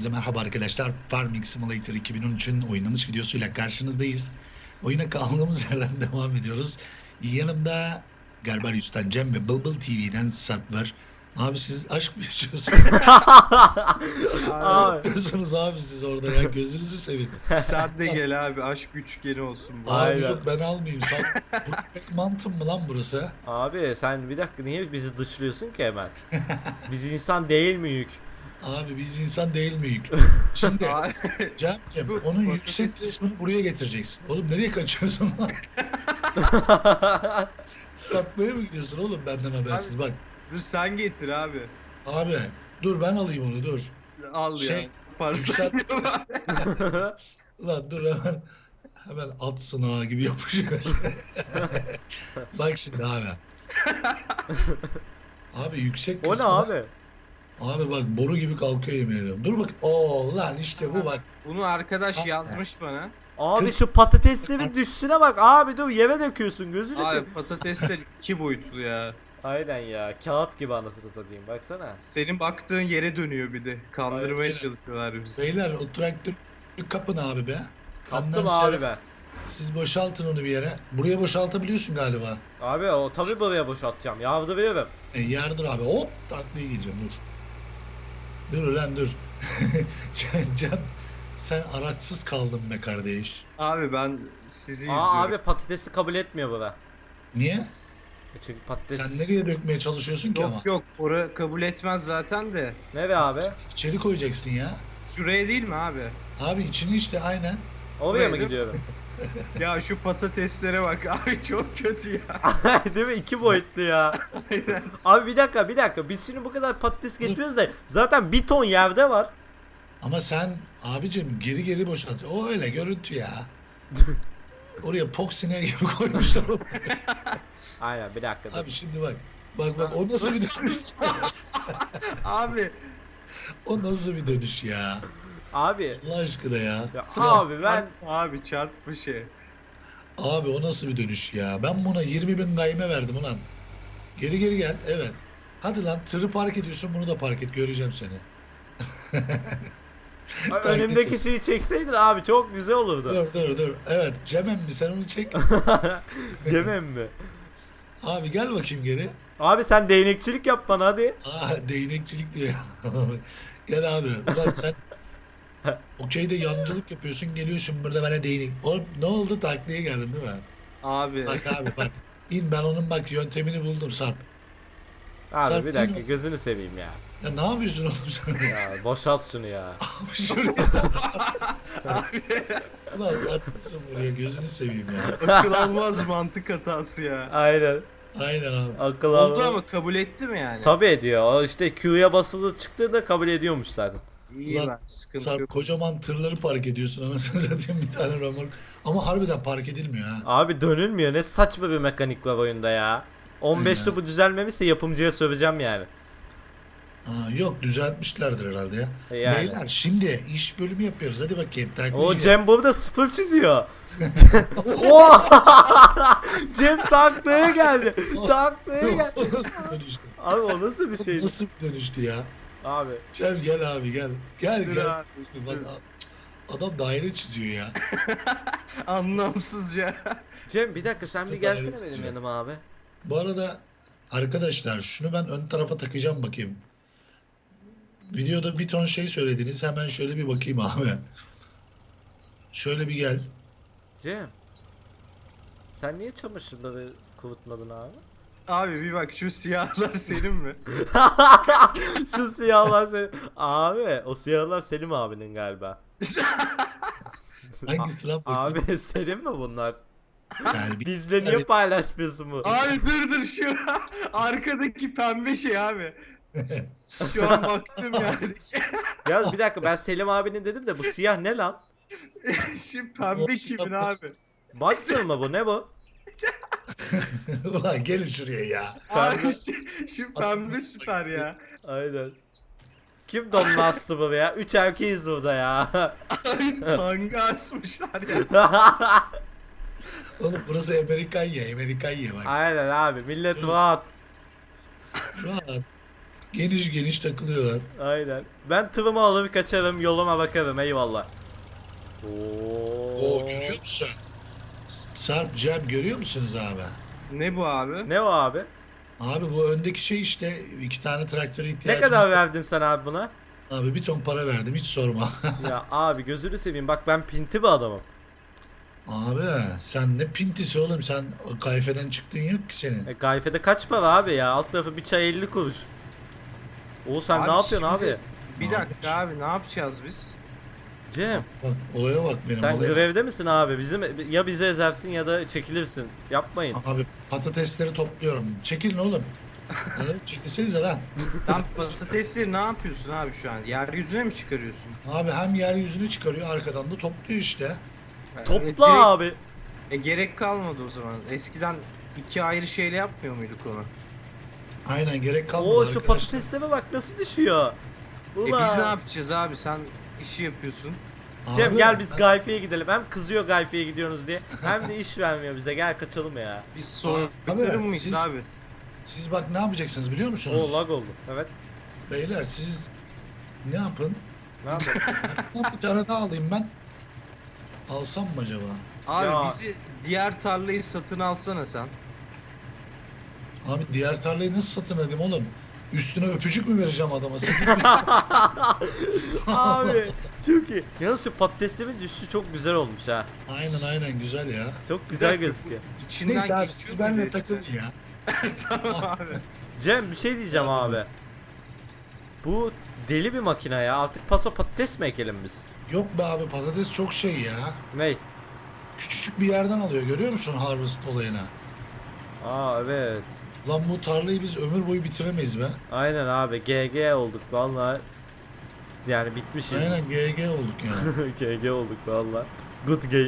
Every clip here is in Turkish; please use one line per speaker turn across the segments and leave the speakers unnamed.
Herkese merhaba arkadaşlar. Farming Simulator 2013'ün oynanış videosuyla karşınızdayız. Oyuna kaldığımız yerden devam ediyoruz. Yanımda Garbarius'tan Cem ve Bılbıl TV'den Sarp var. Abi siz aşk mı yaşıyorsunuz? Ne
Abi,
yapıyorsunuz abi siz orada ya? Gözünüzü seveyim.
sen de gel abi, aşk üçgeni olsun bu.
Abi
Aynen.
yok ben almayayım. Sen, bu mantım mı lan burası?
Abi sen bir dakika niye bizi dışlıyorsun ki hemen? Biz insan değil miyiz?
Abi biz insan değil miyiz? Şimdi
Abi,
Cem,
Bu
onun
patatesi-
yüksek kısmını buraya getireceksin. Oğlum nereye kaçıyorsun lan? Satmaya mı gidiyorsun oğlum benden habersiz? Bak
dur sen getir abi.
abi dur ben alayım onu dur.
Al
Şey,
ya. Parça.
Lan dur hemen at sınağı gibi yapışıyor. Bak şimdi abi. Abi yüksek
O ne
kısmı.
abi?
Abi bak boru gibi kalkıyor yemin ediyorum. Dur bak. Oo lan işte bu bak.
Bunu arkadaş yazmış bana.
Abi
Kırk-
şu patateslerin düşüşüne bak abi, dur yere döküyorsun gözünü
Abi
seveyim.
patatesler 2 boyutlu ya.
Aynen ya, kağıt gibi anasını satayım baksana.
Senin baktığın yere dönüyor bir de. Kandırmaya
Aynen.
çalışıyorlar bizi.
Beyler o traktörü kapın abi be.
Kaptım
Ondan sonra
abi ben.
Siz boşaltın onu bir yere. Buraya boşaltabiliyorsun galiba.
Abi o tabi buraya boşaltacağım, yardırıyorum.
Yardır abi. Hop taklaya gireceğim dur. Dur lan dur. Cem sen araçsız kaldın be kardeş.
Abi ben sizi izliyorum.
Abi patatesi kabul etmiyor bura.
Niye?
Çünkü patates...
Sen nereye dökmeye çalışıyorsun ki ama?
Yok yok, ora kabul etmez zaten de.
Nere abi?
İçeri koyacaksın ya.
Şuraya değil mi abi?
Abi içini işte aynen.
Oraya mı
Buraya
gidiyorum?
Ya şu patateslere bak abi, çok kötü ya.
Değil mi? 2 boyutlu ya.
Aynen.
Abi bir dakika. Biz şimdi bu kadar patates getiriyoruz da zaten bir ton yerde var.
Ama sen abicim geri boşalt. O öyle görüntü ya. Oraya poksine gibi koymuşlar onu.
Aynen, bir dakika.
Abi şimdi bak. Bak o nasıl bir dönüş?
Abi
O nasıl bir dönüş ya?
Abi.
Allah aşkına ya.
Ya
Sıra-
abi ben...
abi çarpma şey.
Abi o nasıl bir dönüş ya? Ben buna 20.000 gayme verdim ulan. Geri gel. Evet. Hadi lan tırı park ediyorsun bunu da park et. Göreceğim seni.
Önümdeki şeyi çekseydin abi çok güzel olurdu.
Dur. Evet Cemem mi sen onu çek.
Cemem mi?
Abi gel bakayım geri.
Abi sen değnekçilik yap bana hadi.
Değnekçilik diyor. Gel abi. Ulan sen okeyde yancılık yapıyorsun geliyorsun burada bana değnek. Oğlum ne oldu taklaya geldin değil mi?
Abi
Bak abi bak. İn ben onun bak yöntemini buldum Sarp.
Abi
Sen
bir dakika,
in-
gözünü seveyim ya.
Ya ne yapıyorsun oğlum sen?
Ya boşalt şunu ya.
Abi şuraya. Ulan atmışsın buraya gözünü seveyim ya.
akıl almaz mantık hatası ya.
Aynen.
Aynen abi.
Akıl
Oldu
alma.
ama kabul etti mi yani?
Tabi ediyor. O işte Q'ya basılı çıktığında kabul ediyormuş zaten.
İyi
Ulan,
ben sıkıntı
Sarp
yok.
kocaman tırları park ediyorsun anasını satayım bir tane römork. Ama harbiden park edilmiyor ha.
Abi dönülmüyor. Ne saçma bir mekanik var oyunda ya. 15'te bu düzelmemişse yapımcıya söveceğim yani.
Yok düzeltmişlerdir herhalde ya.
Yani.
Beyler şimdi iş bölümü yapıyoruz. Hadi bakayım.
O Cem burada sıfır çiziyor. Oha! Cem taklaya geldi. Taklaya geldi.
O nasıl dönüştü?
Abi o nasıl bir
O
şey?
nasıl bir dönüştü ya?
Abi.
Cem gel abi gel. Gel
Dur
gel.
abi,
Bak
dur.
adam daire çiziyor ya.
Anlamsızca.
Cem bir dakika, sen bir
Sıfır
gelsene
evet
benim
çiziyor.
yanıma abi.
Bu arada arkadaşlar şunu ben ön tarafa takacağım bakayım. Videoda bir ton şey söylediniz. Hemen şöyle bir bakayım abi. Şöyle bir gel.
Cem. Sen niye çamaşırları kurutmadın abi?
Abi bir bak, şu siyahlar senin mi?
Şu siyahlar senin. Abi o siyahlar Selim abinin galiba.
Hangisi lan bakayım?
Abi Selim mi bunlar?
Yani bir-
Bizle niye
Hani-
paylaşmıyorsun bu?
Abi dur şu arkadaki pembe şey abi. Şu an baktım yani.
Ya bir dakika, ben Selim abinin dedim de bu siyah ne lan?
Şu pembe kimin abi?
Boxer mı bu, ne bu?
Ulan gelin şuraya ya.
Abi şu pembe süper ya.
Aynen. Kim donunu astı bu ya? 3 erkeğiz burada ya.
Abi tanga asmışlar ya.
Oğlum burası Amerikan ya. Amerikan ya bak.
Aynen abi, millet
Burası-
rahat.
Rahat. Geniş geniş takılıyorlar.
Aynen. Ben tırımı alır kaçarım, yoluma bakarım, eyvallah.
Oo görüyor musun? Sarp, Cem görüyor musunuz abi?
Ne bu abi?
Ne o abi?
Abi bu öndeki şey işte 2 tane traktöre
Ne
ihtiyacımız
kadar
var.
verdin sen abi buna?
Abi bir ton para verdim hiç sorma.
Ya abi gözünü seveyim, bak ben pinti bir adamım.
Abi sen ne pintisi oğlum, sen kayfeden çıktığın yok ki senin.
Gayfede kaç para abi ya? Alt tarafı bir çay 50 kuruş. Oğuz sen
Abi
ne yapıyorsun
şimdi-
abi?
Bir
Ne
dakika abi ne yapacağız biz?
Cem
Bak olaya bak benim
sen
olaya.
grevde misin abi? Bizim ya bizi ezersin ya da çekilirsin. Yapmayın.
Abi patatesleri topluyorum. Çekilin oğlum. Lan çekilsenize lan.
Sen patatesleri ne yapıyorsun abi şu an? Yeryüzüne mi çıkarıyorsun?
Abi hem yeryüzüne çıkarıyor arkadan da topluyor işte.
Topla
Direkt-
abi.
gerek kalmadı o zaman. Eskiden iki ayrı şeyle yapmıyor muyduk onu?
Aynen gerek kalmadı
Oo şu
arkadaşlar.
patateslere bak nasıl düşüyor.
Biz ne
Ulan.
yapacağız abi? Sen işi yapıyorsun.
Cem
Abi,
gel biz
ben-
Gayfe'ye gidelim. Hem kızıyor Gayfe'ye gidiyorsunuz diye. Hem de iş vermiyor bize. Gel kaçalım ya.
Biz
Abi,
soytarım mıyız
siz-
abi?
Siz bak ne yapacaksınız biliyor musunuz?
Oo lag oldu. Evet.
Beyler siz ne yapın?
Ne yapalım?
Lan bir tane daha alayım ben. Alsam mı acaba?
Abi
Ya.
bizi diğer tarlayı satın alsana sen.
Abi diğer tarlayı nasıl satın edeyim oğlum? Üstüne öpücük mü vereceğim adama? 8 bin.
Abi çok iyi. Yalnız şu patateslerin düşüşü çok güzel olmuş ha.
Aynen güzel ya.
Çok güzel gözüküyor.
İçinden
Neyse abi
geçiyor
siz
mu
benimle
bir de
takılın
işte?
ya.
Tamam abi.
Cem bir şey diyeceğim abi. Bu deli bir makine ya. Artık paso patates mi ekelim biz?
Yok be abi patates çok şey ya.
Ney?
Küçücük bir yerden alıyor görüyor musun harvest olayına?
Aa evet.
Lan bu tarlayı biz ömür boyu bitiremeyiz be.
Aynen abi GG olduk vallahi. Yani bitmişiz.
Aynen
biz.
GG olduk ya.
GG olduk vallahi. Good game.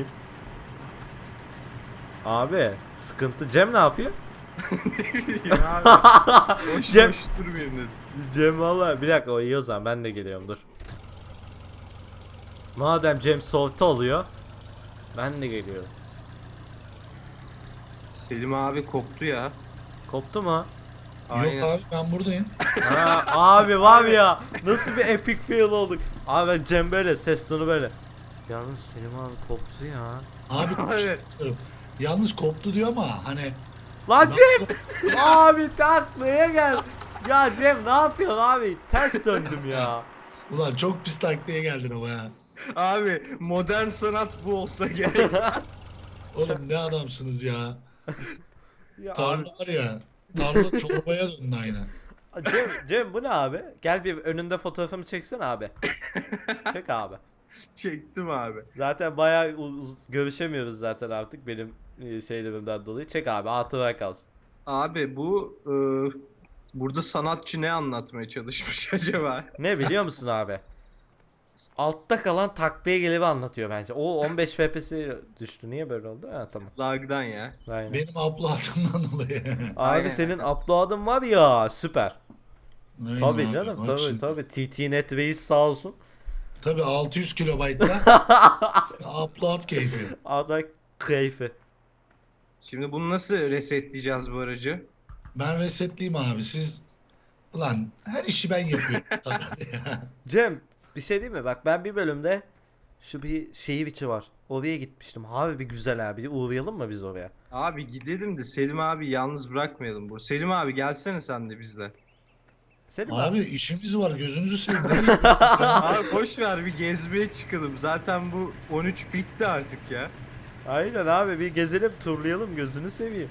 Abi sıkıntı. Cem ne yapıyor?
Ya abi. Boş
Cem-
boş durmayayım dedim.
Cem valla bir dakika o iyi o zaman ben de geliyorum dur. Madem Cem soğukta oluyor ben de geliyorum.
Selim abi koptu ya.
Koptu mu?
Aynen.
Yok abi ben buradayım.
Ha, abi var ya nasıl bir epic fail olduk. Abi ben Cem böyle ses tonu böyle. Yalnız Selim abi koptu ya.
Abi
Evet.
yalnız koptu diyor ama hani
Lan Cem! Abi taklaya gel. Ya Cem ne yapıyorsun abi? Ters döndüm ya.
ulan çok pis taklaya geldin ama ya.
Abi modern sanat bu olsa gerek.
Oğlum ne adamsınız ya.
Ya abi.
Tarla var ya. Tarla çorbaya döndü aynı.
Cem bu ne abi? Gel bir önünde fotoğrafımı çeksen abi. Çek abi.
Çektim abi.
Zaten bayağı görüşemiyoruz zaten artık benim şeylerimden dolayı. Çek abi hatıra kalsın.
Abi bu burada sanatçı ne anlatmaya çalışmış acaba?
Ne biliyor musun abi? Altta kalan taklaya gelevi anlatıyor bence. O 15 FPS düştü. Niye böyle oldu? Ha tamam.
Lag'dan ya.
Aynen.
Benim upload'ımdan dolayı.
Abi
Aynen.
senin upload'ın var ya süper.
Aynen
Tabii
abi,
canım
bak
tabii
şimdi.
tabii. TT-Net Reis sağ olsun.
Tabii 600 kilobaytla upload keyfi.
Ada keyfi.
Şimdi bunu nasıl resetleyeceğiz bu aracı?
Ben resetleyeyim abi siz ulan her işi ben yapıyorum. ya.
Cem bir şey değil mi? Bak ben bir bölümde şu bir şehir içi var. Oraya gitmiştim. Abi bir güzel abi. Uğrayalım mı biz oraya?
Abi gidelim de Selim abi yalnız bırakmayalım bu. Selim abi gelsene sen de bizle.
Senin
Abi işimiz var gözünüzü seveyim. Nereye gidiyorsun ya?
Abi boş ver bir gezmeye çıkalım. Zaten bu 13 bitti artık ya.
Aynen abi bir gezelim turlayalım gözünü seveyim.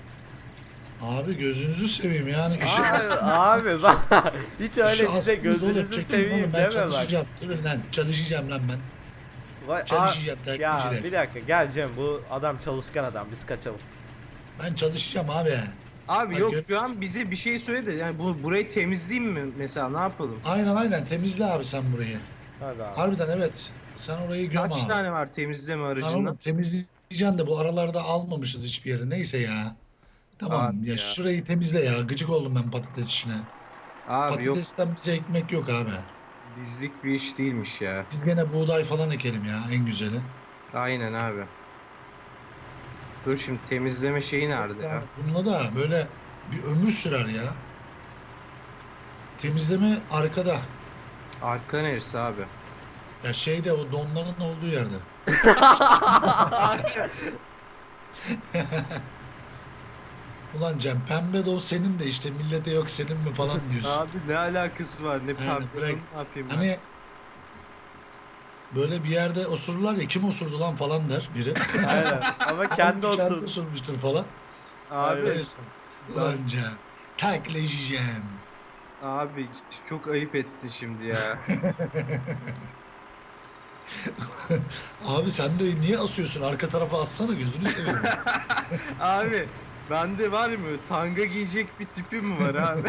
Abi gözünüzü seveyim yani işi
Abi bak hiç öyle
işi
bize
aslınız oğlum,
gözünüzü
çekin
seveyim
oğlum, ben
deme bak.
çalışacağım. Durun lan çalışacağım lan ben.
Vay,
Çalışacağım
ya
taklitçiler.
bir dakika gel Cem bu adam çalışkan adam biz kaçalım.
Ben çalışacağım abi.
Abi
Bak
yok
gör-
şu an bize bir şey söyle de yani burayı temizleyeyim mi mesela ne yapalım?
Aynen temizle abi sen burayı.
Hadi abi.
Harbiden evet. Sen orayı göm
Kaç
abi.
tane var temizleme
Lan
aracından?
oğlum temizleyeceksin de bu aralarda almamışız hiçbir yere. Neyse ya. Tamam
Abi
ya,
ya.
şurayı temizle ya. Gıcık oldum ben patates işine.
Abi yok
Patatesten bize ekmek yok abi.
bizlik bir iş değilmiş ya.
Biz gene buğday falan ekelim ya en güzeli.
Aynen abi. Dur şimdi temizleme şeyi nerede ya?
Yani bununla da böyle bir ömür sürer ya. Temizleme arkada.
Arka neresi abi?
Ya şeyde o donların olduğu yerde. Ulan Cem pembe don senin de işte millete yok senin mi falan diyorsun.
Abi ne alakası var? Ne
Aynen,
pardon,
bırak.
ne yapayım ben?
Hani böyle bir yerde osururlar ya kim osurdu lan falan der biri.
Aynen. Ama kendi
Kendi
olsun.
osurmuştur falan.
Abi,
Neyse. Ulan Cem. Takleyeceğim.
abi çok ayıp ettin şimdi ya.
Abi sen de niye asıyorsun? Arka tarafa assana gözünü seveyim.
Abi bende var mı? Tanga giyecek bir tipim mi var abi?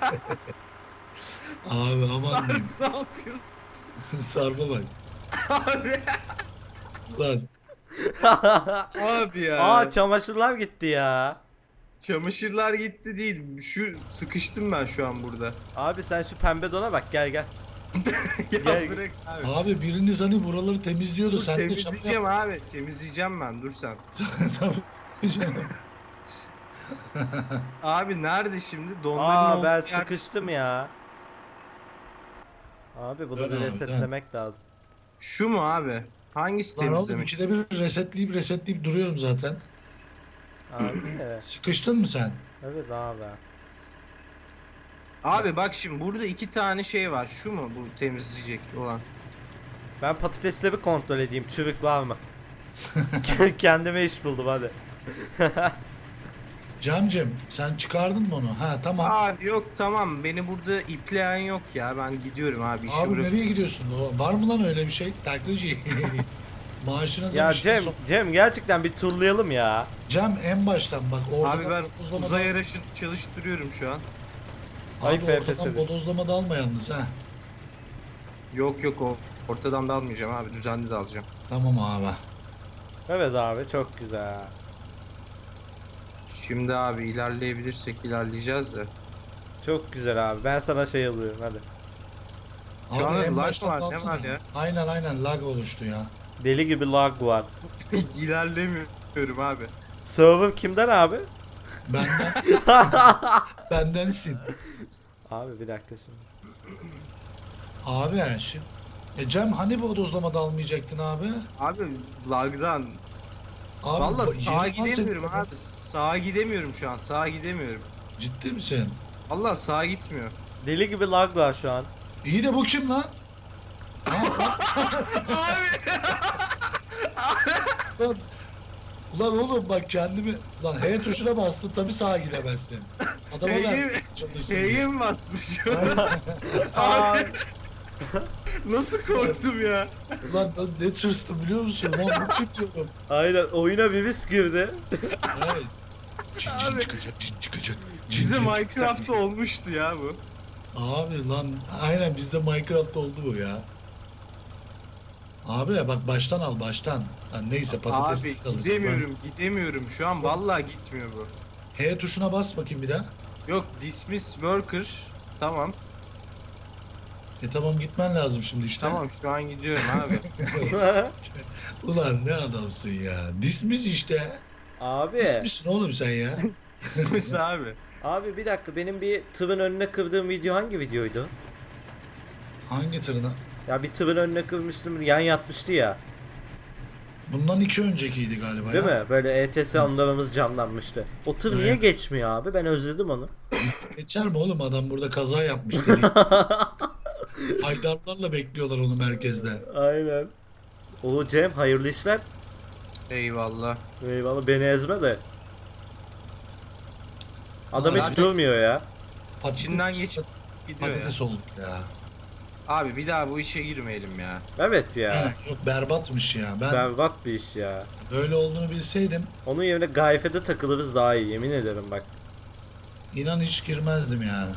Abi aman
Sarp
diyeyim.
ne yapıyorsun
Sarpa bak.
abi?
Lan
Abi ya.
Aa çamaşırlar gitti ya.
Çamaşırlar gitti değil. Şu sıkıştım ben şu an burada.
Abi sen şu pembe dona bak gel gel.
Ya
Gel-
bırak abi.
abi biriniz hani buraları temizliyordu.
Dur,
Sen de
temizleyeceğim abi. Temizleyeceğim ben. Dur sen.
Tabii canım.
Abi nerede şimdi? Donların olduğu
Aa ben
yer-
sıkıştım ya. Abi bunu
Dön
bir
abi,
resetlemek lazım.
Şu mu abi? Hangisi
Lan oğlum
temizlemek?
ikide bir resetleyip duruyorum zaten.
Abi.
Sıkıştın mı sen?
Evet abi.
Abi bak şimdi burada iki tane şey var. Şu mu bu temizleyecek olan?
Ben patatesleri kontrol edeyim. Çürük var mı? Kendime iş buldum hadi.
Camcım sen çıkardın mı onu? Ha tamam.
Abi yok tamam beni burada ipleyen yok ya. Ben gidiyorum abi işi
Abi
bırak.
nereye gidiyorsun? Var mı lan öyle bir şey? Taklacı. Maaşına
Ya
zamışsın
Cem, Cem gerçekten bir turlayalım ya.
Cem en baştan bak.
Abi ben
bodozlama
uzay
da-
aracını çalıştırıyorum şu an.
Ay
Abi
FPS
ortadan
düştü.
bodozlama da alma yalnız ha.
Yok yok o ortadan da almayacağım abi düzenli de alacağım.
Tamam abi.
Evet abi çok güzel.
Şimdi abi ilerleyebilirsek ilerleyeceğiz de.
Çok güzel abi. Ben sana şey alıyorum hadi.
Abi
an
en
lag
baştan
var, ne
alsana.
var ya?
Aynen lag oluştu ya.
Deli gibi lag var.
İlerlemiyorum abi.
Server kimden abi?
Benden bendensin.
Abi bir dakika şimdi.
Abi şimdi. Cem hani bodozlama da almayacaktın abi?
Abi lagdan.
Abi
Valla
bu-
sağa
yeni nasıl-
gidemiyorum abi. Sağa gidemiyorum şu an. Sağa gidemiyorum.
Ciddi misin?
Valla sağa gitmiyor.
Deli gibi lag var şu an.
İyi de bu kim lan? Lan, ulan oğlum bak kendimi... Lan H tuşuna bastın tabi sağa gidemezsin. Adama
H'ye
vermişsin çalışsın diye.
H'ye mi basmış?
Aa,
Nasıl korktum ya?
Ulan ne tırstım biliyor musun? Lan bu kim diyorum.
aynen oyuna bir virüs girdi.
Evet. Cin
Abi.
çıkacak, cin çıkacak.
Bize
cin
Minecraft'ta
çıkacak.
olmuştu ya bu.
Abi lan aynen bizde Minecraft oldu bu ya. Abi bak baştan al baştan. Lan neyse patates
Abi
alacağım.
gidemiyorum şu an vallahi gitmiyor bu.
H tuşuna bas bakayım bir daha.
Yok dismiss worker. Tamam.
Tamam gitmen lazım şimdi işte.
Tamam şu an gidiyorum abi.
Ulan ne adamsın ya. Dismiss işte.
Abi.
Dismiss'sin oğlum sen ya.
dismiss abi.
Abi bir dakika benim bir tırın önüne kırdığım video hangi videoydu?
Hangi tırına?
Ya bir tırın önüne kırmıştım yan yatmıştı ya.
Bundan 2 öncekiydi galiba
Değil
ya.
mi? Böyle ETS anılarımız canlanmıştı. O tır niye
Evet.
geçmiyor abi? Ben özledim onu.
Geçer mi oğlum adam burada kaza yapmış dedi. Haydarlarla bekliyorlar onu merkezde.
Aynen. O Cem hayırlı işler.
Eyvallah.
Eyvallah beni ezme de. Adam
Abi-
hiç durmuyor ya.
İçinden geçip gidiyor ya.
Patates olduk ya.
Abi bir daha bu işe girmeyelim ya.
Evet ya.
Aynen, yok berbatmış ya. Ben
Berbat bir iş ya.
böyle olduğunu bilseydim
Onun yerine gayfede takılırız daha iyi yemin ederim bak.
inan hiç girmezdim yani.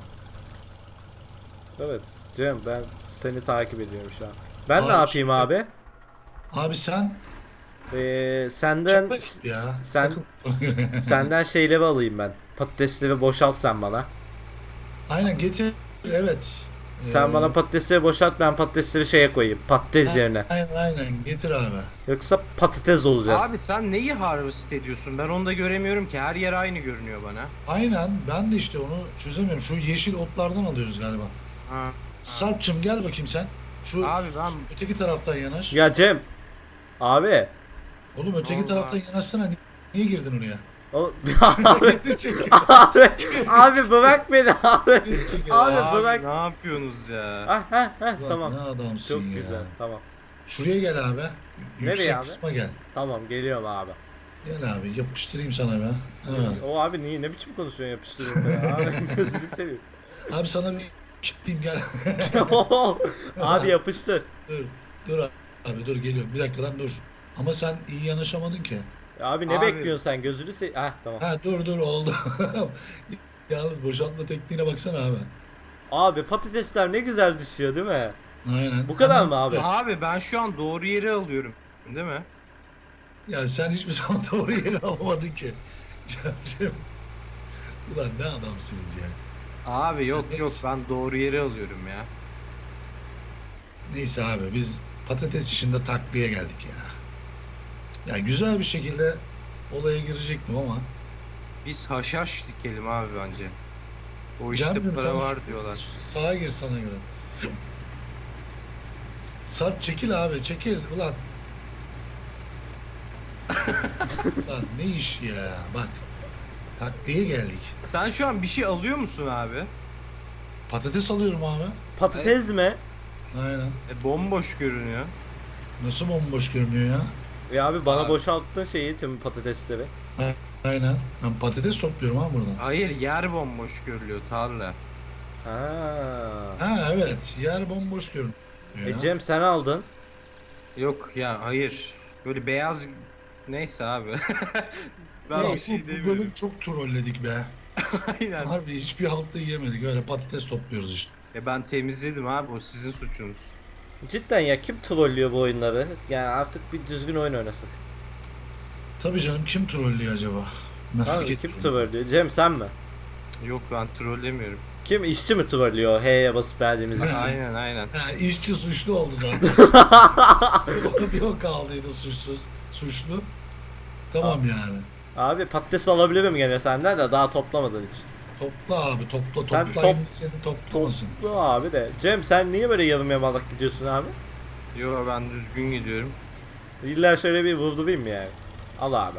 Evet Cem ben seni takip ediyorum şu an. Ben ne
Abi
yapayım
şimdi-
abi?
Abi sen
Senden
çok ya.
sen-
Takıl-
senden şeyleri alayım ben. Patatesleri boşalt sen bana.
Aynen getir. Evet.
Sen bana patatesleri boşalt, ben patatesleri şeye koyayım. Patates yerine.
Aynen getir abi.
Yoksa patates olacağız.
Abi sen neyi harvest ediyorsun? Ben onu da göremiyorum ki. Her yer aynı görünüyor bana.
Aynen ben de işte onu çözemiyorum. Şu yeşil otlardan alıyoruz galiba.
Ha.
Sarp'cığım gel bakayım sen. Şu
Abi ben-
öteki taraftan yanaş.
Ya Cem. Abi.
Oğlum öteki
oldu
taraftan
abi?
yanaşsana. Niye girdin oraya?
O, abi.
Geri çekil.
Abi bırak beni abi.
Geri çekil.
Abi,
Abi
bırak.
ne yapıyorsunuz ya?
Ah,
Ulan
tamam.
ne adamsın
Çok
ya.
güzel. Tamam.
Şuraya gel abi.
Nereye
Yüksek
abi?
kısma gel.
Tamam geliyorum abi.
Gel abi yapıştırayım sana be. Ha.
O abi niye ne biçim konuşuyorsun yapıştırıp ya? Abi gözünü seveyim.
Abi sana bir kilitleyeyim gel.
Abi yapıştır.
dur abi dur geliyorum. Bir dakika lan dur. Ama sen iyi yanaşamadın ki.
Abi ne
Abi.
bekliyorsun sen gözünü seveyim. Heh tamam.
Ha dur oldu. Yalnız boşaltma tekniğine baksana abi.
Abi patatesler ne güzel düşüyor değil mi?
Aynen.
Bu kadar
Hemen-
mı abi?
Abi ben şu an doğru yeri alıyorum. Değil mi?
Ya sen hiçbir zaman doğru yeri alamadın ki. Cemciğim. Ulan ne adamsınız ya.
Abi yok
Neyse.
yok ben doğru yeri alıyorum ya.
Neyse abi biz patates işinde takliye geldik ya. Ya güzel bir şekilde olaya girecektim ama.
Biz haşhaş dikelim abi bence. O işte
Cemciğim,
para
sen
var diyorlar.
Sağa gir sana göre. Sarp çekil abi çekil ulan. Lan ne iş ya bak. Takliye geldik.
Sen şu an bir şey alıyor musun abi?
Patates alıyorum abi.
Patates mi?
Aynen.
Bomboş görünüyor.
Nasıl bomboş görünüyor ya?
Ya abi bana
Abi.
boşalttın şeyi tüm patatesleri.
Aynen. Ben patates topluyorum ha buradan.
Hayır yer bomboş görülüyor tarla.
Ha.
Ha evet. Yer bomboş görünüyor. ya.
Cem sen aldın.
Yok ya hayır. Böyle beyaz neyse abi. Ben
Ya
bir şey
bu
demiyorum.
bölüm çok trolledik be.
Aynen.
Harbi hiçbir haltı yiyemedik. Öyle patates topluyoruz işte.
Ya ben temizledim abi o sizin suçunuz.
Cidden ya kim trollüyor bu oyunları? Yani artık bir düzgün oyun oynasın.
Tabii canım kim trollüyor acaba? Merak
Abi kim
ettim.
trollüyor? Cem sen mi?
Yok ben trollemiyorum.
Kim işçi mi trollüyor H'ye basıp verdiğimiz için?
Aynen aynen.
Ha, işçi suçlu oldu zaten. bir o kaldıydı suçsuz. Suçlu. Tamam yani.
Abi patates alabilirim gene senden de daha toplamadın hiç.
Topla abi topla
Sen
topla. Seni toplamasın.
Toplu abi de. Cem sen niye böyle yarım yamalak gidiyorsun abi?
Yo ben düzgün gidiyorum.
İlla şöyle bir vurdurayım mı yani? Al abi.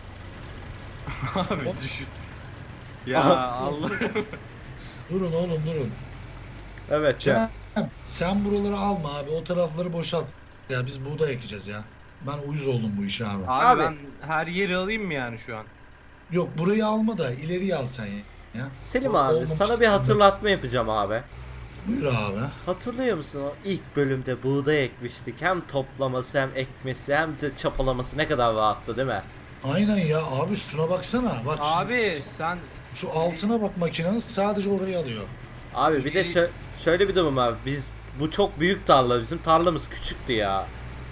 Abi düşün. Ya
Aha.
Allah.
Durun oğlum durun.
Evet Cem.
Sen buraları alma abi. O tarafları boşalt. Ya biz buğday ekeceğiz ya. Ben uyuz oldum bu işe abi.
Abi,
Abi.
ben her yeri alayım mı yani şu an?
Yok burayı alma da ileriye al sen ya.
Selim
O-
abi
olmamış
sana bir
bilmem.
hatırlatma yapacağım abi.
Buyur abi.
Hatırlıyor musun o ilk bölümde buğday ekmiştik. Hem toplaması hem ekmesi hem de çapalaması ne kadar rahattı değil mi?
Aynen ya abi şuna baksana. Bak
Abi
şimdi
sen
şu altına bak makinenin sadece orayı alıyor.
Abi bir de şöyle bir durum var. Biz bu çok büyük tarla. Bizim tarlamız küçüktü ya.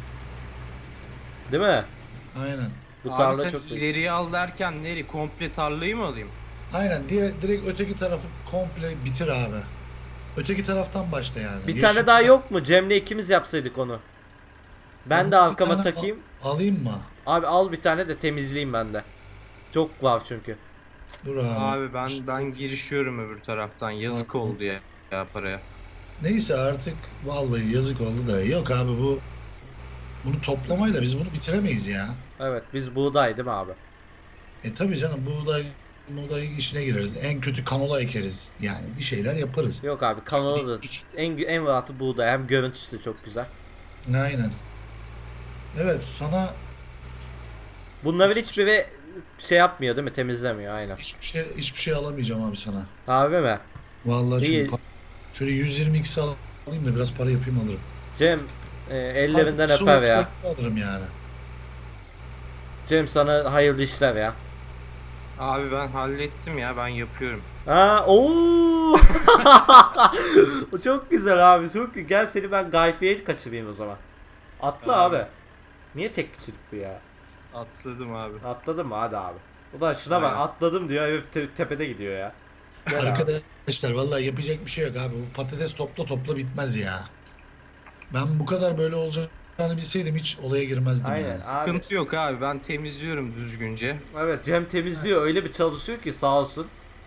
Değil mi?
Aynen.
Bu
abi
tarla
sen
çok büyük.
ileriye al derken nereye? Komple tarlayı mı alayım?
Aynen direkt öteki tarafı komple bitir abi. Öteki taraftan başla yani.
Bir
Yeşil-
tane daha yok mu? Cem'le ikimiz yapsaydık onu. Ben de
Bir
arkama
tane
takayım.
Alayım mı?
Abi al bir tane de temizleyeyim ben de. Çok var çünkü.
Dur abi.
Abi ben girişiyorum öbür taraftan. Yazık
Tamam.
oldu ya paraya.
Neyse artık vallahi yazık oldu da. Yok abi bunu toplamayla biz bunu bitiremeyiz ya.
Evet biz buğday değil mi abi?
Tabii canım buğday işine gireriz. En kötü kanola ekeriz. Yani bir şeyler yaparız.
Yok abi kanalı da en rahatı buğday. Hem görüntüsü de çok güzel.
Aynen. Evet sana
Bunların hiçbiri şey yapmıyor değil mi? Temizlemiyor aynen.
hiçbir şey alamayacağım abi sana.
Abi mi?
Vallahi
İyi.
çünkü şöyle 120x alayım da biraz para yapayım alırım.
Cem ellerinden
Artık
öper ya.
sonraki alırım yani.
Cem sana hayırlı işler ya.
Abi ben hallettim ya ben yapıyorum.
Ha, ooo. O çok güzel abi. Çok güzel. Gel seni ben Gayfi'ye kaçırayım o zaman. Atla
Abi.
abi. Niye tek kişilik bu ya?
Atladım abi.
Atladın mı? Hadi abi. O da şuna bak
Aynen.
atladım diyor. Herif tepede gidiyor ya. Gel abi.
Arkadaşlar vallahi yapacak bir şey yok abi. Bu patates topla topla bitmez ya. Ben bu kadar böyle olacağını bilseydim hiç olaya girmezdim
Aynen
yani.
abi.
Sıkıntı yok abi, ben temizliyorum düzgünce.
Evet, Cem temizliyor, öyle bir çalışıyor ki sağ olsun.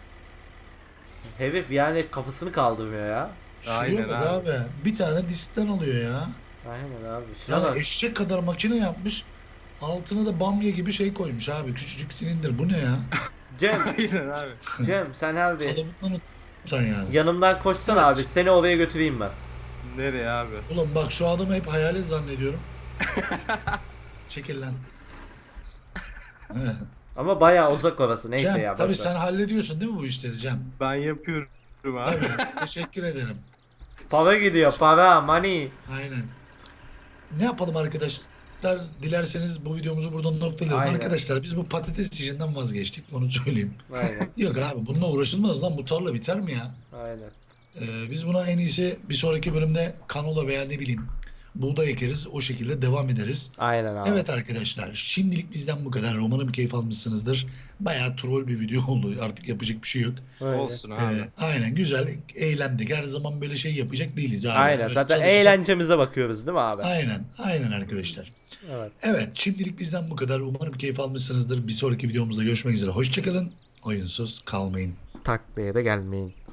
Herif yani kafasını kaldırmıyor ya.
Şuraya
Aynen
bak
abi.
abi. Bir tane disten alıyor ya.
Aynen abi. Şuna
Yani
bak.
eşek kadar makine yapmış. Altına da bamya gibi şey koymuş abi. Küçücük silindir. Bu ne ya?
Cem,
Aynen abi.
Cem sen abi
Kalıbından utan yani.
yanımdan koşsana
Evet.
abi, seni oraya götüreyim ben.
Nereye abi?
Ulan bak şu adamı hep hayalet zannediyorum. Çekil lan. Evet.
Ama bayağı uzak orası, neyse
Cem
ya.
tabii
boş ver.
sen hallediyorsun değil mi bu işleri Cem?
Ben yapıyorum abi.
Tabii. Teşekkür ederim.
Para gidiyor, para, money.
Aynen. Ne yapalım arkadaşlar? Dilerseniz bu videomuzu buradan noktalayalım.
Aynen.
Arkadaşlar biz bu patates işinden vazgeçtik. Onu söyleyeyim.
Aynen,
Yok abi bununla uğraşılmaz lan. Bu tarla biter mi ya?
aynen.
Biz buna en iyisi bir sonraki bölümde kanola veya ne bileyim buğday ekeriz. O şekilde devam ederiz.
Aynen abi.
Evet arkadaşlar şimdilik bizden bu kadar. Umarım keyif almışsınızdır. Bayağı troll bir video oldu. Artık yapacak bir şey yok.
Öyle.
Olsun abi.
Aynen güzel eğlendik. Her zaman böyle şey yapacak değiliz abi.
Aynen,
Öyle
zaten
çalışacak-
eğlencemize bakıyoruz değil mi abi?
Aynen arkadaşlar.
Evet.
Evet şimdilik bizden bu kadar. Umarım keyif almışsınızdır. Bir sonraki videomuzda görüşmek üzere. Hoşçakalın. Oyunsuz kalmayın.
Taklaya da gelmeyin.